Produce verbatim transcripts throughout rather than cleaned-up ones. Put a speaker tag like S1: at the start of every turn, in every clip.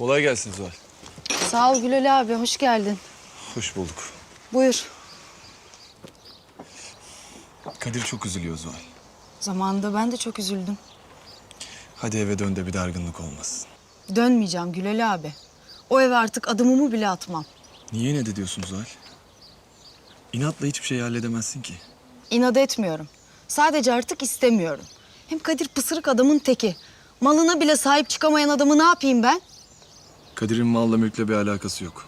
S1: Kolay gelsin Zuhal.
S2: Sağ ol Gülal abi, hoş geldin.
S1: Hoş bulduk.
S2: Buyur.
S1: Kadir çok üzülüyor Zuhal.
S2: Zamanında ben de çok üzüldüm.
S1: Hadi eve dön de bir dargınlık olmasın.
S2: Dönmeyeceğim Gülal abi. O eve artık adımımı bile atmam.
S1: Niye ne de diyorsun Zuhal? İnatla hiçbir şey halledemezsin ki.
S2: İnat etmiyorum. Sadece artık istemiyorum. Hem Kadir pısırık adamın teki. Malına bile sahip çıkamayan adamı ne yapayım ben?
S1: Kadir'in malla mülkle bir alakası yok.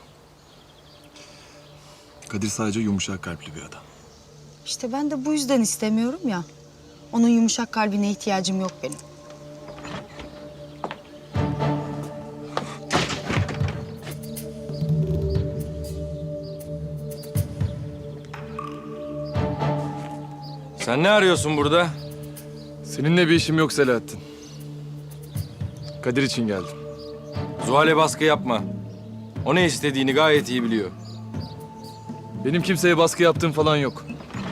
S1: Kadir sadece yumuşak kalpli bir adam.
S2: İşte ben de bu yüzden istemiyorum ya. Onun yumuşak kalbine ihtiyacım yok benim.
S3: Sen ne arıyorsun burada?
S1: Seninle bir işim yok Selahattin. Kadir için geldim.
S3: Zuhal'e baskı yapma. O ne istediğini gayet iyi biliyor.
S1: Benim kimseye baskı yaptığım falan yok.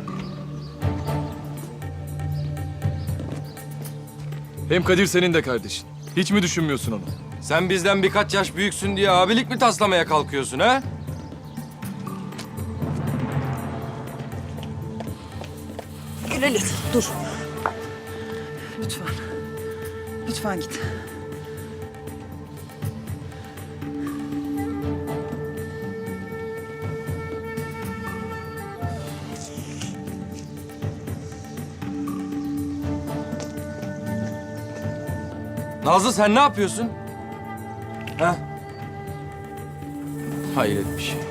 S1: Hem Kadir senin de kardeşin. Hiç mi düşünmüyorsun onu?
S3: Sen bizden birkaç yaş büyüksün diye abilik mi taslamaya kalkıyorsun ha?
S2: Gülal dur. Lütfen. Lütfen git.
S3: Nazlı sen ne yapıyorsun? Ha? Hayret bir şey.